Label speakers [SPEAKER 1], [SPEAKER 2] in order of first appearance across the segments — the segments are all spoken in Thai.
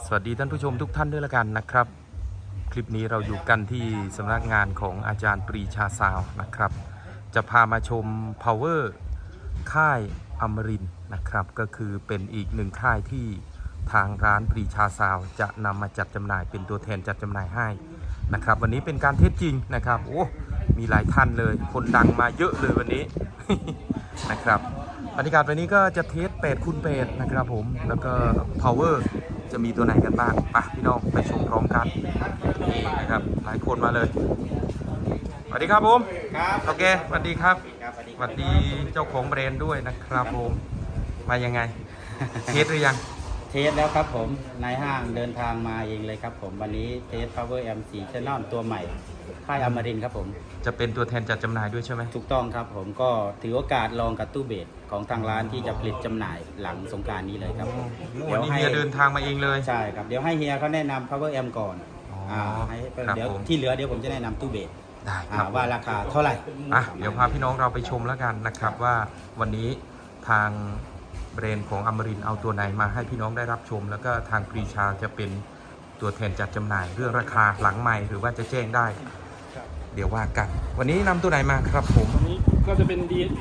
[SPEAKER 1] สวัสดีท่านผู้ชมทุกท่านด้วยละกันนะครับ คลิปนี้เราอยู่กันที่สำนักงานของอาจารย์ปรีชาซาวน์นะครับ จะพามาชม Power ค่ายอมรินทร์นะครับก็คือเป็นอีกหนึ่งค่ายที่ทางร้านปรีชาซาวน์จะนำมาจัดจำหน่ายเป็นตัวแทนจัดจำหน่ายให้นะครับ วันนี้เป็นการเทสจริงนะครับโอ้มีหลายท่านเลยคนดังมาเยอะเลยวันนี้ นะครับบรรยากาศวันนี้ก็จะเทส8 คูณ 8นะครับผมแล้วก็ Power จะมีตัวไหนกันบ้างไปพี่น้องไปชมพร้อมกันนี่นะครับหลายคนมาเลยสวัสดีครับผม
[SPEAKER 2] ครับ
[SPEAKER 1] โอเคสวัสดีครับ
[SPEAKER 2] ครับ
[SPEAKER 1] สวัสดีเจ้าของแบรนด์ด้วยนะครับผมมายังไง เทสหรือยัง
[SPEAKER 2] เทสแล้วครับผมนายห้างเดินทางมาเองเลยครับผมวันนี้เทส Power M4 Channel ตัวใหม่ค่ายอมรินทร์ครับผม
[SPEAKER 1] จะเป็นตัวแทนจัดจำหน่ายด้วยใช่ไหม
[SPEAKER 2] ถูกต้องครับผมก็ถือโอกาสลองกับตู้เบสของทางร้านที่จะผลิตจำหน่ายหลังสงกรานต์นี้เลยครับผม
[SPEAKER 1] วันนี้เฮียเดินทางมาเองเลย
[SPEAKER 2] ใช่ครับเดี๋ยวให้เฮียเขาแนะนำ Power M ก่อนให้เดี๋ยวที่เหลือเดี๋ยวผมจะแนะนำตู้เบส
[SPEAKER 1] ได้ครับ
[SPEAKER 2] ว่าราคาเท่าไหร่
[SPEAKER 1] เดี๋ยวพาพี่น้องเราไปชมแล้วกันนะครับว่าวันนี้ทางแบรนด์ของอมรินทร์เอาตัวไหนมาให้พี่น้องได้รับชม แล้วก็ทางปรีชาจะเป็นตัวแทนจัดจำหน่ายเรื่องราคาหลังใหม่หรือว่าจะแจ้งได้เดี๋ยวว่ากันวันนี้นำตัวไหนมาครับผม
[SPEAKER 3] วันนี้ก็จะเป็น DSP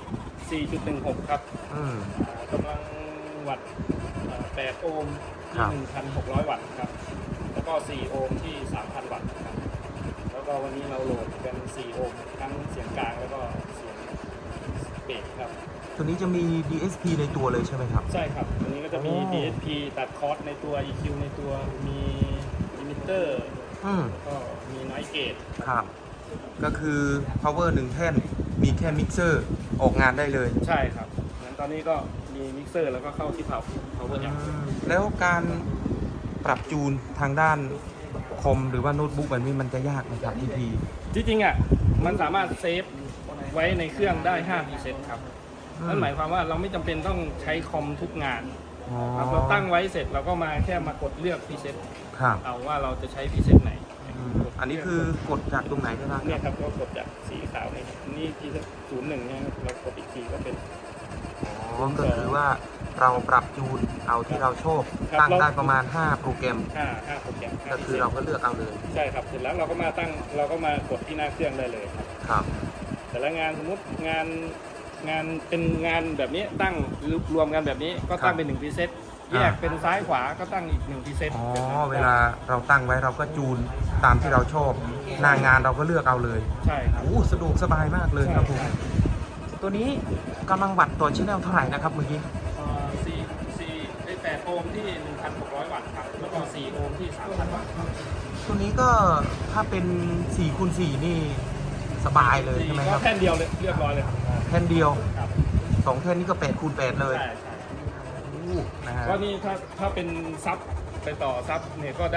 [SPEAKER 3] 4.16 ครับกำลังวัตต์8 โอห์มที่ 1,600 วัตต์ครับแล้วก็ 4 โอห์มที่ 3,000 วัตต์ครับแล้วก็วันนี้เราโหลดกัน 4 โอห์มทั้งเสียงกลางแล้วก็เสียงเบสครับ
[SPEAKER 1] ตัวนี้จะมี DSP ในตัวเลยใช่ไหมครับ
[SPEAKER 3] ใช่ครับตัวนี้ก็จะมี DSP ตัดคอร์สในตัว EQ ในตัวมีลิมิเตอร์ก็มี Noise Gate
[SPEAKER 1] ครับก็คือ power 1 แท่นมีแค่มิกเซอร์ออกงานได้เลย
[SPEAKER 3] ใช่ครับงั้นตอนนี้ก็มีมิกเซอร์แล้วก็เข้าที่power อย่าง
[SPEAKER 1] แล้วการปรับจูนทางด้านคอมหรือว่าโน้ตบุ๊กแบบนี้มันจะยากไหมครับพี่
[SPEAKER 3] จริงๆมันสามารถเซฟไว้ในเครื่องได้5 preset ครับนั่นหมายความว่าเราไม่จำเป็นต้องใช้คอมทุกงานเราตั้งไว้เสร็จเราก็มาแค่มากดเลือก preset เอาว่าเราจะใช้ preset ไหน
[SPEAKER 1] อันนี้คือกดจากตรงไหนก็ได้
[SPEAKER 3] เนี่ยครับก็กดจากสีขาวนี่ที่01เนี่ยเรากดอีกทีก็เป็น
[SPEAKER 1] ก็คือว่าเราปรับจูนเอาที่เราชอบตั้งได้ประมาณ5 โปรแกรม
[SPEAKER 3] 5 โปรแกรม
[SPEAKER 1] ก็คือเราก็เลือกเอาเลย
[SPEAKER 3] ใช่ครับเสร็จแล้วเราก็มากดที่หน้าเครื่องได้เลย
[SPEAKER 1] ครับ
[SPEAKER 3] แต่ละงานสมมติงานเป็นงานแบบนี้ตั้งรวมกันแบบนี้ก็ตั้งเป็น1 preset แยกเป็นซ้ายขวาก็ตั้งอีก1 preset
[SPEAKER 1] เวลาเราตั้งไว้เราก็จูนตามที่เราชอบหน้างานเราก็เลือกเอาเลย
[SPEAKER 3] ใช่ครับ
[SPEAKER 1] สะดวกสบายมากเลยครับผมตัวนี้กำลังวัตต์ต่อชิ้นแนลเท่าไหร่นะครับเมื่อกี้
[SPEAKER 3] 8 โอห์มที่ 1,600 วัตต์ครับแล้วก็4 โอห์มที่ 3,000 วัตต์
[SPEAKER 1] ตัวนี้ก็ถ้าเป็น4 คูณ 4นี่สบายเลยใช่ไหมครับ
[SPEAKER 3] แท่นเดียวเลยเรียบร้อยเลยครับ
[SPEAKER 1] แท่นเดียว2 แท่นนี้ก็8 คูณ 8เลย
[SPEAKER 3] ใช่ก็นี่ถ้าเป็นซับไปต่อซับเนี่ยก็ได้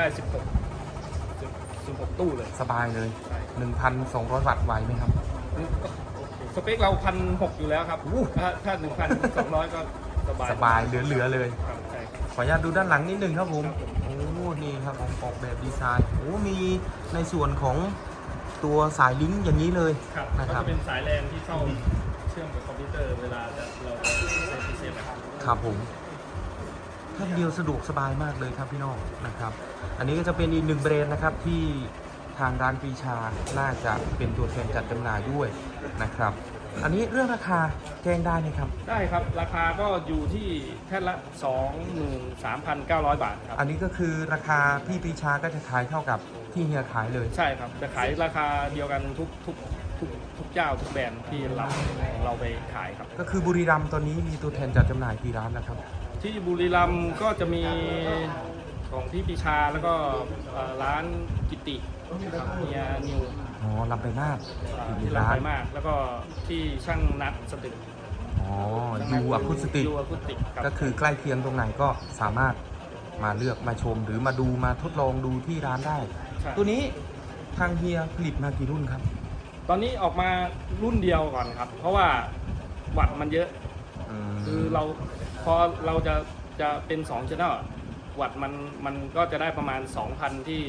[SPEAKER 3] 16 ตู้เลย
[SPEAKER 1] สบายเลย 1,200 วัตต์ไหวไหมครับ
[SPEAKER 3] สเปคเรา 1,600 อยู่แล้วครับถ้า 1,200 ก็
[SPEAKER 1] สบายเหลือเลยขออนุญาตดูด้านหลังนิดนึงครับผมนี่ครับผมออกแบบดีไซน์มีในส่วนของตัวสายลิงก์อย่างนี้เลย
[SPEAKER 3] นะครับก็จะเป็นสายแลนที่เข้าเชื่อมกับคอมพิวเตอร์เวลาเราใช้พีซี
[SPEAKER 1] ครับผมแค่เดียวสะดวกสบายมากเลยครับพี่น้องนะครับอันนี้ก็จะเป็นอีก1 แบรนด์นะครับที่ทางร้านปรีชาน่าจะเป็นตัวแทนจัดจำหน่ายด้วยนะครับอันนี้เรื่องราคาแจ้งได้ไหมครับ
[SPEAKER 3] ได้ครับราคาก็อยู่ที่แท่นละ 23,900 บาทครับ
[SPEAKER 1] อันนี้ก็คือราคาพี่ปรีชาก็จะขายเท่ากับที่เฮียขายเลย
[SPEAKER 3] ใช่ครับจะขายราคาเดียวกันทุกเจ้าทุกแบรนด์ที่เราไปขายครับ
[SPEAKER 1] ก็คือบุรีรัมย์ตอนนี้มีตัวแทนจัดจำหน่ายกี่ร้านนะครับ
[SPEAKER 3] ที่บุรีรัมย์ก็จะมีของพี่ปรีชาแล้วก็ร้านกิติเฮียนิว
[SPEAKER 1] ลำไปมาก
[SPEAKER 3] ที่ลำไปมากแล้วก็ที่ช่างนัดสตึก
[SPEAKER 1] ยูอะคูสติกก็คือใกล้เคียงตรงไหนก็สามารถมาเลือกมาชมหรือมาดูมาทดลองดูที่ร้านได้ตัวนี้ทางเฮียผลิตมากี่รุ่นครับ
[SPEAKER 3] ตอนนี้ออกมารุ่นเดียวก่อนครับเพราะว่าวัตต์มันเยอะคือพอเราจะเป็น2 channel วัตต์มันก็จะได้ประมาณ 2,000 ที่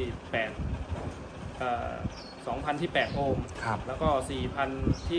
[SPEAKER 3] 2,000 ที่ 8 โอห์มแล้วก็ 4,000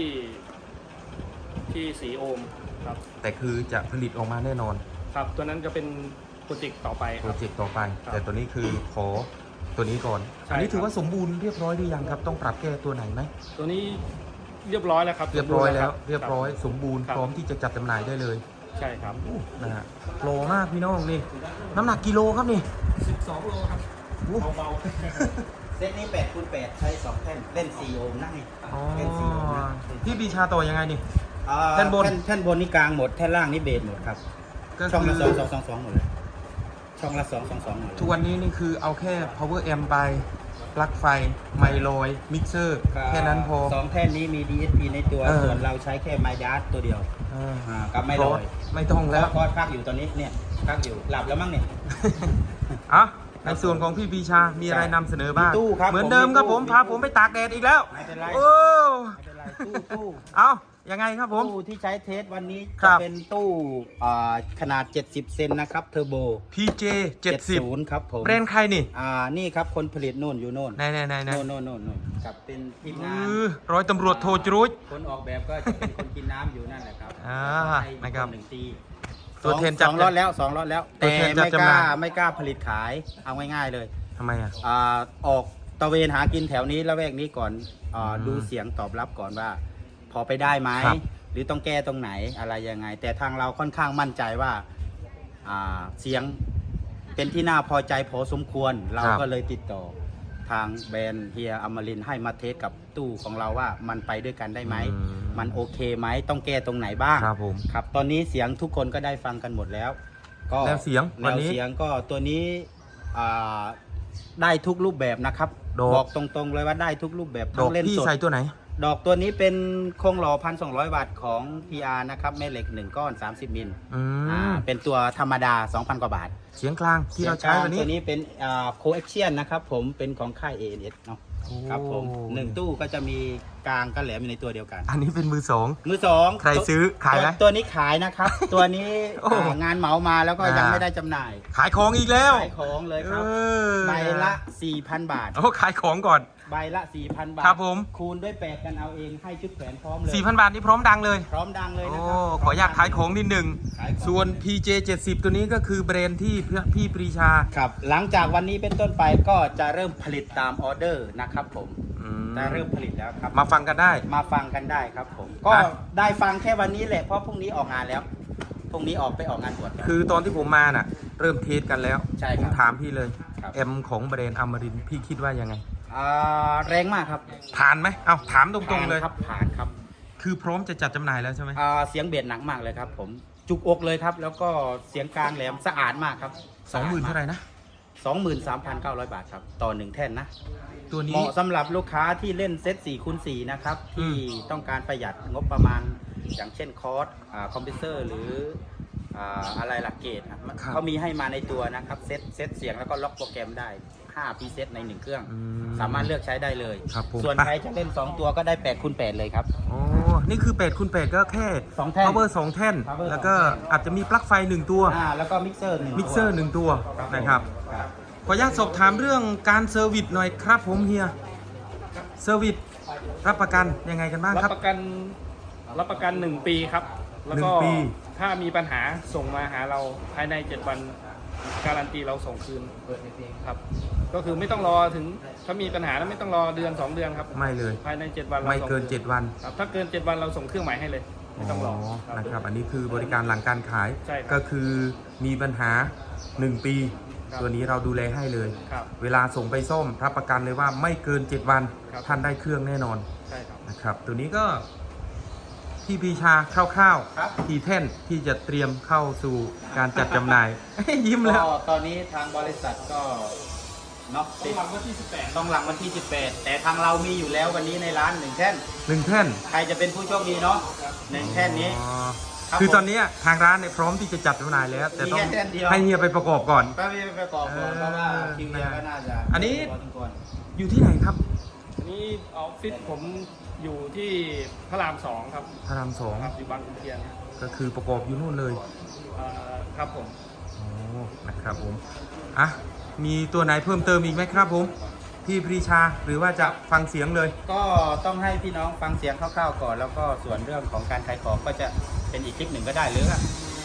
[SPEAKER 3] ที่ 4 โอห์มครับ
[SPEAKER 1] แต่คือจะผลิตออกมาแน่นอน
[SPEAKER 3] ครับตัวนั้นจะเป็นโปรเจกต์ต่อไปค
[SPEAKER 1] โปร
[SPEAKER 3] รับ
[SPEAKER 1] เจกต์ต่อไป
[SPEAKER 3] ครับ
[SPEAKER 1] แต่ตัวนี้คือขอตัวนี้ก่อน
[SPEAKER 3] ใช่
[SPEAKER 1] อันนี้ถือ
[SPEAKER 3] ครับ
[SPEAKER 1] ว่าสมบูรณ์เรียบร้อยหรือยังครับต้องปรับแก้ตัวไหนไหม
[SPEAKER 3] ตัวนี้เรียบร้อยแล้วครับ
[SPEAKER 1] เรียบร้อยแล้ว
[SPEAKER 3] สมบูณ์
[SPEAKER 1] เรียบร้อย
[SPEAKER 3] ค
[SPEAKER 1] สมบูรณ์
[SPEAKER 3] ครับ
[SPEAKER 1] พร้อมที่จะจัดจำหน่ายได้เลย
[SPEAKER 3] ใช่ครับ
[SPEAKER 1] นะฮะโลมากพี่น้องนี่น้ำหนักกิโลครับนี่
[SPEAKER 3] 12 โลครับ
[SPEAKER 1] อู้
[SPEAKER 3] เบา
[SPEAKER 2] เซตนี้8คูณ8ใช้ 2 แท่น เล่น 4 โอห์มได้
[SPEAKER 1] อ๋อ
[SPEAKER 2] เล่น 4 โอห์มนะ
[SPEAKER 1] พี่ปีชาต่อยังไงนี่
[SPEAKER 2] แท่นบนแท่นบนนี่กลางหมด แท่นล่างนี่เบสหมดครับ
[SPEAKER 1] ก็
[SPEAKER 2] ช่อง
[SPEAKER 1] คื
[SPEAKER 2] ละ
[SPEAKER 1] อ
[SPEAKER 2] 2 หมดเลย ช่องละ2 หมดเลย
[SPEAKER 1] ทุกวันนี้นี่คือเอาแค่ power amp ไปปลั๊กไฟไมโลยมิกเซอร์แค่นั้นพอ
[SPEAKER 2] 2 แท่นนี้มี DSP ในตัว
[SPEAKER 1] เออ
[SPEAKER 2] ส่วนเราใช้แค่ไมค์ดัสตัวเดียว
[SPEAKER 1] เออ
[SPEAKER 2] กับไมโลย
[SPEAKER 1] ไม่ต้องแล้ว
[SPEAKER 2] คอร์สพักอยู่ตอนนี้เนี่ยพักอยู่หลับแล้วมั้งเนี่ย
[SPEAKER 1] อ่ะในส่วนของพี่ปีชา มีอะไรนำเสนอบ้าง
[SPEAKER 2] มีตู้ครับ
[SPEAKER 1] เหมือนเดิมครับผม
[SPEAKER 2] มีตู้
[SPEAKER 1] พาผมไปตากแดดอีกแล้ว
[SPEAKER 2] ไม่เป็นไร
[SPEAKER 1] โอ้
[SPEAKER 2] ไม่เป็นไรตู้
[SPEAKER 1] เอายังไงครับผม
[SPEAKER 2] ตู้ที่ใช้เทสวันนี้
[SPEAKER 1] ครั
[SPEAKER 2] จะ
[SPEAKER 1] บ
[SPEAKER 2] เป็นตู้ขนาด 70 เซนนะครับเทอร์โบ
[SPEAKER 1] PJ 70
[SPEAKER 2] ครับผม
[SPEAKER 1] แบรนด์ใครนี่
[SPEAKER 2] นี่ครับคนผลิตโน่นอยู่โน่น
[SPEAKER 1] ไหนไหนไหนไหน
[SPEAKER 2] โน่นกับเป็นทีมงาน
[SPEAKER 1] ร้อยตำรวจโทจรุจ
[SPEAKER 2] คนออกแบบก็จะเป็นคนกินน้ำอยู่นั่นแหละครับ
[SPEAKER 1] อ่า
[SPEAKER 2] ให้
[SPEAKER 1] นะครับ
[SPEAKER 2] หนึ่งตี
[SPEAKER 1] ตัวแทนจับ
[SPEAKER 2] สองรอดแล้ว2 รอดแล้ว
[SPEAKER 1] ตัว
[SPEAKER 2] แต่
[SPEAKER 1] แทนจับ
[SPEAKER 2] ไม่
[SPEAKER 1] จำ
[SPEAKER 2] ก
[SPEAKER 1] ห
[SPEAKER 2] ล้า
[SPEAKER 1] น่าย
[SPEAKER 2] ไม่กล้าผลิตขายเอาง่ายๆเลย
[SPEAKER 1] ทำไมอ่ะ
[SPEAKER 2] ออกตระเวนหากินแถวนี้ละแวกนี้ก่อน
[SPEAKER 1] ม
[SPEAKER 2] อาดูเสียงตอบรับก่อนว่า พอไปได้ไหม
[SPEAKER 1] ครับ
[SPEAKER 2] หรือต้องแก้ตรงไหนอะไรยังไง แต่ทางเราค่อนข้างมั่นใจว่าเสียงเป็นที่น่าพอใจพอสมควร เราก็เลยติดต่อทางแบรนด์เฮียอมรินทร์ให้มาเทสกับตู้ของเราว่ามันไปด้วยกันได้ไหม มันโอเคไหมต้องแก้ตรงไหนบ้าง
[SPEAKER 1] ครับผม
[SPEAKER 2] ครับตอนนี้เสียงทุกคนก็ได้ฟังกันหมดแล้ว ก็
[SPEAKER 1] แนวเสียง
[SPEAKER 2] แน
[SPEAKER 1] วัน
[SPEAKER 2] ว
[SPEAKER 1] นี้
[SPEAKER 2] เสียงก็ตัวนี้ได้ทุกรูปแบบนะครับ
[SPEAKER 1] ดอก
[SPEAKER 2] บอกตรงๆเลยว่าได้ทุกรูปแบบ
[SPEAKER 1] ด
[SPEAKER 2] ทั้
[SPEAKER 1] อก
[SPEAKER 2] งเล่น
[SPEAKER 1] พี่
[SPEAKER 2] สด
[SPEAKER 1] ใส่ตัวไหน
[SPEAKER 2] ดอกตัวนี้เป็นโครงหล่อ 1,200 วัตต์ของ PR นะครับแม่เหล็ก 1 ก้อน 30 มิล
[SPEAKER 1] อืม
[SPEAKER 2] เป็นตัวธรรมดา 2,000 กว่าบาท
[SPEAKER 1] เสียงกลางที่เราใช้วันนี้
[SPEAKER 2] ตัวนี้เป็นCoaxial นะครับผมเป็นของค่าย ANS เนาะ
[SPEAKER 1] โอ้
[SPEAKER 2] ครับผม1ตู้ก็จะมีกลางกับแหลมอยู่ในตัวเดียวกัน
[SPEAKER 1] อันนี้เป็นมือสอง
[SPEAKER 2] มือสอง
[SPEAKER 1] ใครซื้อขายไหม
[SPEAKER 2] ตัวนี้ขายนะครับ ตัวนี้
[SPEAKER 1] โอ้
[SPEAKER 2] งานเหมามาแล้วก็ยังไม่ได้จำหน่าย
[SPEAKER 1] ขายของอีกแล้ว
[SPEAKER 2] ขายของเลยครับ
[SPEAKER 1] เออ
[SPEAKER 2] ใบละ 4,000 บาท
[SPEAKER 1] โอ้ขายของก่อน
[SPEAKER 2] ใบละ 4,000 บาท
[SPEAKER 1] ครับผม
[SPEAKER 2] คูณด้วย8กันเอาเองให้ชุดแขวนพร้อมเลย
[SPEAKER 1] 4,000 บาทนี่พร้อมดังเลย
[SPEAKER 2] พร้อมดังเลย
[SPEAKER 1] โอ้
[SPEAKER 2] นะครับ
[SPEAKER 1] ขออยากขายของนิดหนึ่ง
[SPEAKER 2] ขายของ
[SPEAKER 1] ส่วน PJ 70 ตัวนี้ก็คือแบรนด์ที่พี่ปรีชา
[SPEAKER 2] ครับหลังจากวันนี้เป็นต้นไปก็จะเริ่มผลิตตามออเดอร์นะครับผม
[SPEAKER 1] อืม
[SPEAKER 2] จะเริ่มผลิตแล้วครับ
[SPEAKER 1] มาฟังกันได้
[SPEAKER 2] มาฟังกันได้ครับผม ก็
[SPEAKER 1] อ่ะ
[SPEAKER 2] ได้ฟังแค่วันนี้แหละเพราะพรุ่งนี้ออกงานแล้วพรุ่งนี้ออกไปออกงานบวชกัน
[SPEAKER 1] คือตอนที่ผมมาน่ะ เริ่มเทสกันแล้ว
[SPEAKER 2] ใช่
[SPEAKER 1] ผ
[SPEAKER 2] ครั
[SPEAKER 1] ม
[SPEAKER 2] บ
[SPEAKER 1] ถามพี่เลย
[SPEAKER 2] ครับ
[SPEAKER 1] แอมของแบรนด์อมรินทร์พี่คิดว่ายังไง
[SPEAKER 2] แรงมากครับ
[SPEAKER 1] ผ่านไหมเอาถามตรงๆเลย
[SPEAKER 2] ครับผ่านครับ
[SPEAKER 1] คือพร้อมจะจัดจำหน่ายแล้วใช่ไหม
[SPEAKER 2] เสียงเบสหนักมากเลยครับผมจุกอกเลยครับ แล้วก็เสียงกลางแหลมสะอาดมากครับ
[SPEAKER 1] 20,000เท่าไหร่นะ
[SPEAKER 2] 23,900 บาทครับต่อ1แท่นนะ
[SPEAKER 1] ตัว
[SPEAKER 2] เห
[SPEAKER 1] นี้
[SPEAKER 2] มาะสำหรับลูกค้าที่เล่นเซต4คูณ4นะครับ
[SPEAKER 1] อื
[SPEAKER 2] ที่
[SPEAKER 1] ม
[SPEAKER 2] ต้องการประหยัดงบประมาณอย่างเช่นคอร์สคอมพิวเตอร์หรืออะไรหลักเกตครับเขามีให้มาในตัวนะครับเซตเสียงแล้วก็ล็อกโปรแกรมได้5 preset ใน 1 เครื่อง
[SPEAKER 1] อื
[SPEAKER 2] สามารถเลือกใช้ได้เลย
[SPEAKER 1] ครับผม
[SPEAKER 2] ส่วนใครจะเล่น 2 ตัวก็ได้8คูณ8เลยครับ
[SPEAKER 1] โอ้นี่คือ8คูณ8ก็แค่
[SPEAKER 2] 2 แท่น
[SPEAKER 1] power 2 แท่น
[SPEAKER 2] power
[SPEAKER 1] แล้วก็
[SPEAKER 2] 2 แท่น
[SPEAKER 1] อาจจะมีปลั๊กไฟ 1 ตัว
[SPEAKER 2] แล้วก็มิกเซอร์1
[SPEAKER 1] มิกเซอร์ 1 ตัว
[SPEAKER 2] ผม
[SPEAKER 1] นะครับ
[SPEAKER 2] ครับ
[SPEAKER 1] ขออนุญาตสอบถามเรื่องการเซอร์วิสหน่อยครับผมเฮีย เซอร์วิสรับประกันยังไงกันบ้าง
[SPEAKER 3] รับ
[SPEAKER 1] ครับ
[SPEAKER 3] ประกัน 1 ปีครับ แล้วก็
[SPEAKER 1] 1 ปี
[SPEAKER 3] ถ้ามีปัญหาส่งมาหาเราภายใน 7 วันการันตีเราส่งคืนครับ ก็คือไม่ต้องรอถึงถ้ามีปัญหาแล้วไม่ต้องรอเดือน 2 เดือนครับ
[SPEAKER 1] ไม่เลย
[SPEAKER 3] ภายใน 7 วันเรา
[SPEAKER 1] ไม่
[SPEAKER 3] ส่ง
[SPEAKER 1] เกิน
[SPEAKER 3] คืน
[SPEAKER 1] 7 วัน
[SPEAKER 3] ครับถ้าเกิน 7 วันเราส่งเครื่องใหม่ให้เลยไม่ต้องรอครับ
[SPEAKER 1] นะครับ อันนี้คือบริการหลังการขาย
[SPEAKER 3] ใช่ครับ
[SPEAKER 1] ก็คือมีปัญหา 1 ปี
[SPEAKER 3] ครับ
[SPEAKER 1] ตัวนี้เราดูแลให้เลย
[SPEAKER 3] ครับ
[SPEAKER 1] เวลาส่งไปซ่อมรับประกันเลยว่าไม่เกิน 7 วัน
[SPEAKER 3] ครับ
[SPEAKER 1] ท่านได้เครื่องแน่นอน
[SPEAKER 3] ใช่ครับ
[SPEAKER 1] นะครับ ตัวนี้ก็พี่ปีชาคร่าว
[SPEAKER 2] ครับ
[SPEAKER 1] ๆกี่แท่นที่จะเตรียมเข้าสู่การจัดจำหน่าย ยิ้มแล้ว
[SPEAKER 2] ก็ตอนนี้ทางบริษัทก็เนาะ
[SPEAKER 3] ต้องหลังวันที่ 18
[SPEAKER 2] ต้องหลังวันที่ 18 แต่ทางเรามีอยู่แล้ววันนี้ในร้าน1แท่น
[SPEAKER 1] 1 แท่น
[SPEAKER 2] ใครจะเป็นผู้โชคดีเนาะ1แท่นนี้
[SPEAKER 1] อ๋อ
[SPEAKER 2] ครับ
[SPEAKER 1] คือ
[SPEAKER 2] ผม
[SPEAKER 1] ตอนนี้ทางร้านเนี่ยพร้อมที่จะจัดจำหน่ายแล้ว แต่ต้อง
[SPEAKER 2] มีแค่แท่นเดียว
[SPEAKER 1] ให้เฮียไปประกอบก่อน
[SPEAKER 2] ก็ไม่ไปประกอบก่อนเพราะว่าคิวเนียก็น่าจะ
[SPEAKER 1] อันนี้
[SPEAKER 2] พอสมควร
[SPEAKER 1] อยู่ที่ไหนครับ
[SPEAKER 3] อันนี้ออฟฟิศผมอยู่ที่พระราม 2 ครับ
[SPEAKER 1] พระรามสอง
[SPEAKER 3] ครับอยู่บางขุนเทียน
[SPEAKER 1] ก็คือประกอบอยู่นู่นเลย
[SPEAKER 3] ครับผม
[SPEAKER 1] โอ้นะครับผมอ่ะมีตัวไหนเพิ่มเติมอีกไหมครับผมพี่ปรีชาหรือว่าจะฟังเสียงเลย
[SPEAKER 2] ก็ต้องให้พี่น้องฟังเสียงคร่าวๆก่อน แล้วก็ส่วนเรื่องของการขายของก็จะเป็นอีกคลิปหนึ่งก็ได้หรือว่า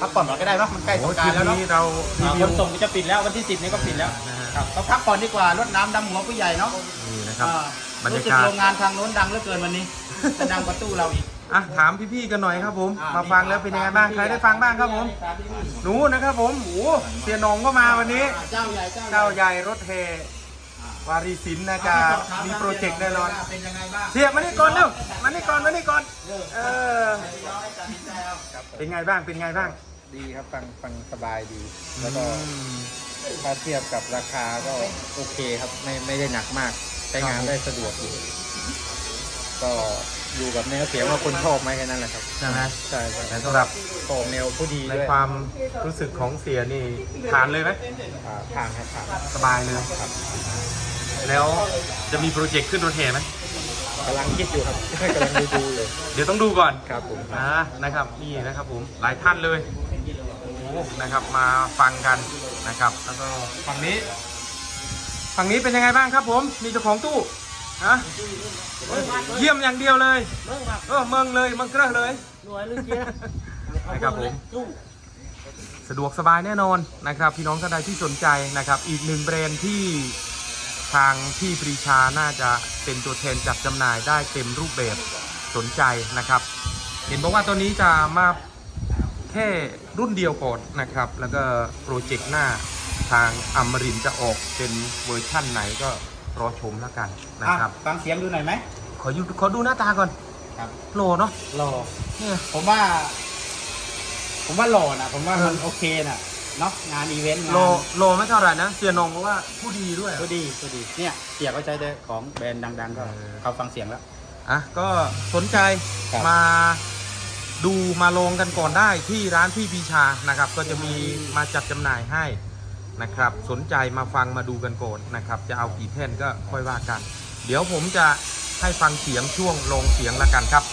[SPEAKER 2] พักผ่อนก่อนก็ได้เนาะมันใกล้ส
[SPEAKER 1] โอ้
[SPEAKER 2] ง
[SPEAKER 1] ย
[SPEAKER 2] ก
[SPEAKER 1] ค
[SPEAKER 2] รา
[SPEAKER 1] ลิ
[SPEAKER 2] น
[SPEAKER 1] ป
[SPEAKER 2] ต์แล้วเนาะ
[SPEAKER 1] นี้เรารี
[SPEAKER 2] ข
[SPEAKER 1] วิวน
[SPEAKER 2] ส่งก็จะปิดแล้ววันที่ 10 นี้ก็ปิดแล้ว
[SPEAKER 1] นะฮะ
[SPEAKER 2] ครับก็พักผ่อนดีกว่ารดน้ำดำหัวผู้ใหญ่เนาะ
[SPEAKER 1] นี่นะครับ บรรยา
[SPEAKER 2] รู้สึก
[SPEAKER 1] กาศ
[SPEAKER 2] โรงงานทางโน้นดังเหลือเกินวันนี้ จะดังกว่าตู้เราอีก
[SPEAKER 1] อ่ะถามพี่ๆกันหน่อยครับผม มาฟังแล้วเป็นยังไงบ้าง ใครได้ฟังบ้างครับผม หนูนะครับผมโอ้เสียหนองก็มาวันนี้
[SPEAKER 2] เจ้าใหญ่
[SPEAKER 1] เจ้าใหญ่รถเฮวารีสินนะจะมีโปรเจกต์แน่นอน
[SPEAKER 2] เป็นยังไงบ้าง
[SPEAKER 1] เสียมานี่ก่อนเร็วมานี่ก่อนเออเป็นไงบ้างเป็นไงบ้าง
[SPEAKER 4] ดีครับฟังสบายดี แล้วก็ถ้าเทียบกับราคาก็โอเคครับไม่ได้หนักมาก ใช้งานได้สะดวกอยู่ก็อยู่กับเนื้อเสียงว่าคนชอบไหมแค่นั้นแหละครับ
[SPEAKER 1] ใช่ไหม
[SPEAKER 4] ใช่
[SPEAKER 1] แต่สำหรับ
[SPEAKER 4] โอแนวผู้ดี
[SPEAKER 1] ใน
[SPEAKER 4] ด้วย
[SPEAKER 1] ความรู้สึกของเสียนี่ผ่านเลยไหม
[SPEAKER 4] ผ่านครับผ่าน
[SPEAKER 1] สบายเลยแล้วจะมีโปรเจกต์ขึ้นรถแห่ไหม
[SPEAKER 4] กำลังคิดอยู่ครับ กำลังดูเลย
[SPEAKER 1] เดี๋ยวต้องดูก่อน
[SPEAKER 4] ครับผม
[SPEAKER 1] นะครับนี่นะครับผมหลายท่านเลยโอ้โหนะครับมาฟังกันนะครับ แล้วก็ฝั่งนี้เป็นยังไงบ้างครับผมมีเจ้าของตู้ฮะเยี่ยมอย่างเดียวเลยเมืองเลยเมืองเกลือเลยนะครับผมสะดวกสบายแน่นอนนะครับ พี่น้องท่านใดที่สนใจนะครับ อีกหนึ่งแบรนด์ที่ทางพี่ปรีชาน่าจะเป็นตัวแทนจัดจำหน่ายได้เต็มรูปแบบสนใจนะครับ เห็นบอกว่าตัวนี้จะมาแค่รุ่นเดียวก่อนนะครับ แล้วก็โปรเจกต์หน้าทางอมรินทร์จะออกเป็นเวอร์ชั่นไหนก็รอชมแล้วกันนะครับ
[SPEAKER 2] ฟังเสียงดูหน่อยไหม
[SPEAKER 1] ขอดูหน้าตาก่อน
[SPEAKER 2] ครับ
[SPEAKER 1] โลเนาะ
[SPEAKER 2] หล่อ
[SPEAKER 1] เนี่ย
[SPEAKER 2] ผมว่าหล่อนะผมว่ามันโอเคนะเนาะงานอีเวนต์งาน
[SPEAKER 1] โลไม่เท่าไหร่นะเสียนงบอกว่าผู้ดีด้วย
[SPEAKER 2] ก็ดีเนี่ยเสียก็ใช้ได้ของแบรนด์ดังๆก็
[SPEAKER 1] เออ
[SPEAKER 2] เขาฟังเสียงแล้ว
[SPEAKER 1] อ่ะก็สนใจ
[SPEAKER 2] ครับ
[SPEAKER 1] มาดูมาลองกันก่อนได้ที่ร้านพี่ปีชานะครับ ก็จะมีมาจัดจำหน่ายให้นะครับ สนใจมาฟังมาดูกันก่อนนะครับ จะเอากี่แท่นก็ค่อยว่ากัน เดี๋ยวผมจะให้ฟังเสียงช่วงลงเสียงละกันครับ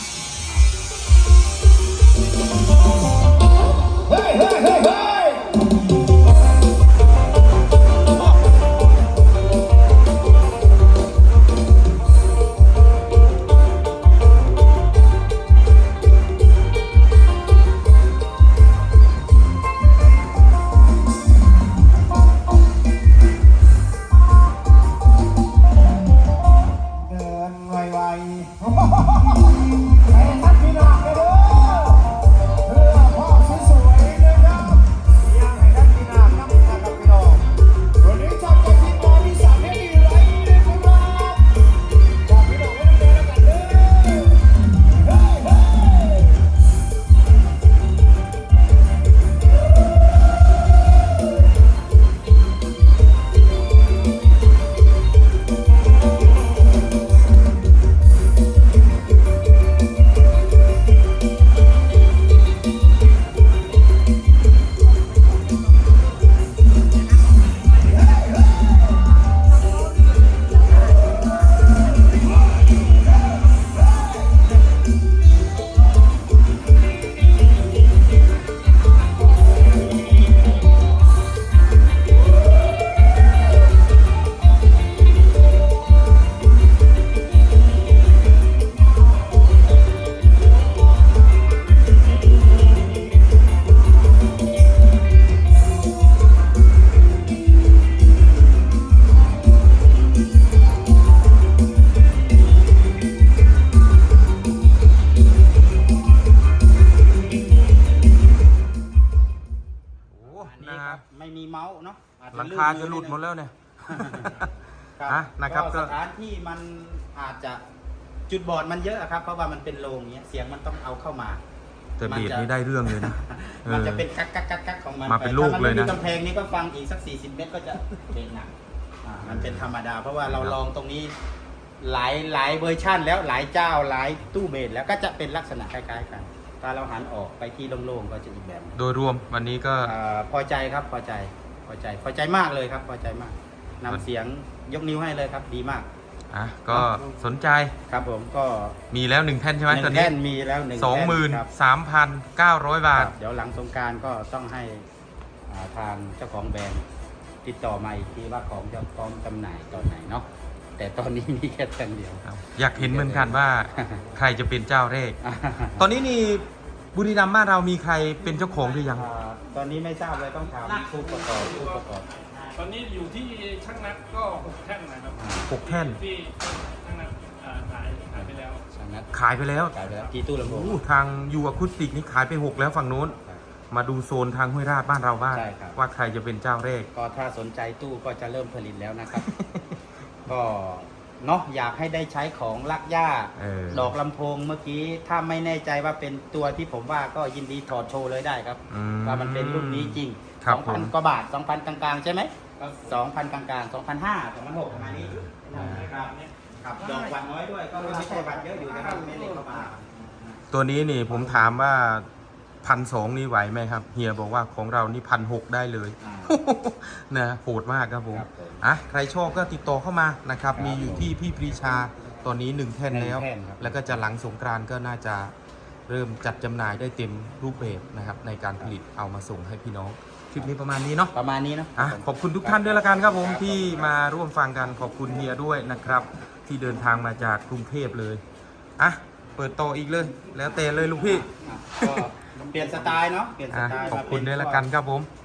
[SPEAKER 5] เดินไวๆให้ทักพี่น้องกันเด้อเพื่อพ่อสวยๆนะครับอยากให้ทักพี่น้องนำนะครับพี่น้องวันนี้จับจากทีมงานที่สามให้ดีไรนะครับจับพี่น้องให้เดินแล้วกันเด้อเฮ้ยเฮ้ย
[SPEAKER 1] โอ้
[SPEAKER 2] อัน
[SPEAKER 1] นะ
[SPEAKER 2] นี้ค
[SPEAKER 1] ฮะ
[SPEAKER 2] รับไม่มีเมาส์เนาะอจ
[SPEAKER 1] หลังคาจะหลุดหมดแล้วเนี่ย
[SPEAKER 2] ครับ
[SPEAKER 1] อ่ะนะครับ
[SPEAKER 2] ก็สถานที่มันอาจจะจุดบอดมันเยอะอะครับเพราะว่ามันเป็นโรงเนี้ยเสียงมันต้องเอาเข้ามา
[SPEAKER 1] แต่เบียดนี้ได้เรื่องเลยนะ
[SPEAKER 2] มันจะ
[SPEAKER 1] เออ
[SPEAKER 2] เป็นกักกักกักกักของมัน
[SPEAKER 1] มาเป็นลูกเลยนะ
[SPEAKER 2] ถ้ามัไม่มีกำแพงนี้ก็ฟังอีกสัก 40 เมตรก็จะเป็นหนักมันเป็นธรรมดา เพราะว่าเราลองตรงนี้หลายเวอร์ชั่นแล้วหลายเจ้าหลายตู้เบสแล้วก็จะเป็นลักษณะคล้ายๆกันถ้าเราหันออกไปที่โล่งๆก็จะอีกแบบหนึ่ง
[SPEAKER 1] โดยรวมวันนี้ก็
[SPEAKER 2] พอใจครับพอใจมากเลยครับพอใจมากนำเสียงยกนิ้วให้เลยครับดีมาก
[SPEAKER 1] อ่ะก็สนใจ
[SPEAKER 2] ครับผมก็
[SPEAKER 1] มีแล้ว1แท่นใช่ไหม
[SPEAKER 2] หนึ่
[SPEAKER 1] ตอน
[SPEAKER 2] ง
[SPEAKER 1] นี้
[SPEAKER 2] แท่นมีแล้ว1
[SPEAKER 1] 23,900 บาท
[SPEAKER 2] เดี๋ยวหลังสงกรารก็ต้องให้ทางเจ้าของแบรนด์ติดต่อมาอีกทีว่าของจะพร้อมจำหน่ายตอนไหนเนาะแต่ตอนนี้มีแค่แท่นเดียว
[SPEAKER 1] อยากเห็นเหมือนกันว่าใครจะเป็นเจ้าแรก ตอนนี้นี่บุรีรัมย์บ้านเรามีใครเป็นเจ้าของหรือยัง
[SPEAKER 2] ตอนนี้ไม่ทราบเลยต้องถามผู้ประกอบ
[SPEAKER 3] ตอนนี้อยู่ที่ช่างนัดก็6 แท่นนะครับ
[SPEAKER 1] 6 แท่น
[SPEAKER 3] ที่ช่างนัดขายไปแล้ว
[SPEAKER 2] ช่างนัด
[SPEAKER 1] ขายไปแล้ว
[SPEAKER 2] ขายไปแล้วกี่ตู้ลำโพง
[SPEAKER 1] อู้ทางยูอะคูสติกนี่ขายไป 6 แล้วฝั่งนู้น มาดูโซนทางห้วยราชบ้านเราบ้าง
[SPEAKER 2] ใช่ครับ
[SPEAKER 1] ว่าใครจะเป็นเจ้าแรก
[SPEAKER 2] ก็ถ้าสนใจตู้ก็จะเริ่มผลิตแล้วนะครับ ก็เนาะอยากให้ได้ใช้ของลักย่า
[SPEAKER 1] เออ
[SPEAKER 2] ดอกลำโพงเมื่อกี้ถ้าไม่แน่ใจว่าเป็นตัวที่ผมว่าก็ยินดีถอดโชว์เลยได้ครับ
[SPEAKER 1] อืม
[SPEAKER 2] ว่ามันเป็นรุ่นนี้จริง
[SPEAKER 1] ครับผม
[SPEAKER 2] 2,000 กว่าบาท 2,000 กลางๆ ใช่ไหม 2,000 กลางๆ 2,500 2,600ประมาณนี้ครับดอกวันน้อยด้วยก็ไม่ใช่วันเยอะอยู่นะครับไม่เล็กเข้ามา
[SPEAKER 1] ตัวนี้นี่ผมถามว่า1,200นี่ไหวไหมครับ เฮียบอกว่าของเรานี่1,600ได้เลย
[SPEAKER 2] อ่า
[SPEAKER 1] นะโหดมากครับผม
[SPEAKER 2] ครับผม
[SPEAKER 1] อ่ะใครชอบก็ติดต่อเข้ามานะครับ มีอยู่ที่พี่ปรีชาตอนนี้ 1 แท่นแล้ว
[SPEAKER 2] 1 แท่นครับ
[SPEAKER 1] แล้วก็จะหลังสงกรานต์ก็น่าจะเริ่มจัดจำหน่ายได้เต็มรูปแบบนะครับ ในการผลิตเอามาส่งให้พี่น้องคลิปนี้ประมาณนี้เนาะ
[SPEAKER 2] ประมาณนี้เนอะ
[SPEAKER 1] อ่ะขอบคุณทุกท่านด้วยละกันครับผมที่มาร่วมฟังกันขอบคุณเฮียด้วยนะครับ ที่เดินทางมาจากกรุงเทพเลยอ่ะเปิดต่ออีกเลย แล้วแต่เลยลูกพี่
[SPEAKER 2] ก็เปลี่ยนสไตล์เนาะเปลี่ยนส
[SPEAKER 1] อ่ะ
[SPEAKER 2] ไตล์
[SPEAKER 1] ขอบ
[SPEAKER 2] มา
[SPEAKER 1] คุณ
[SPEAKER 2] เป็น
[SPEAKER 1] ด้วยละกันครับผม
[SPEAKER 2] พ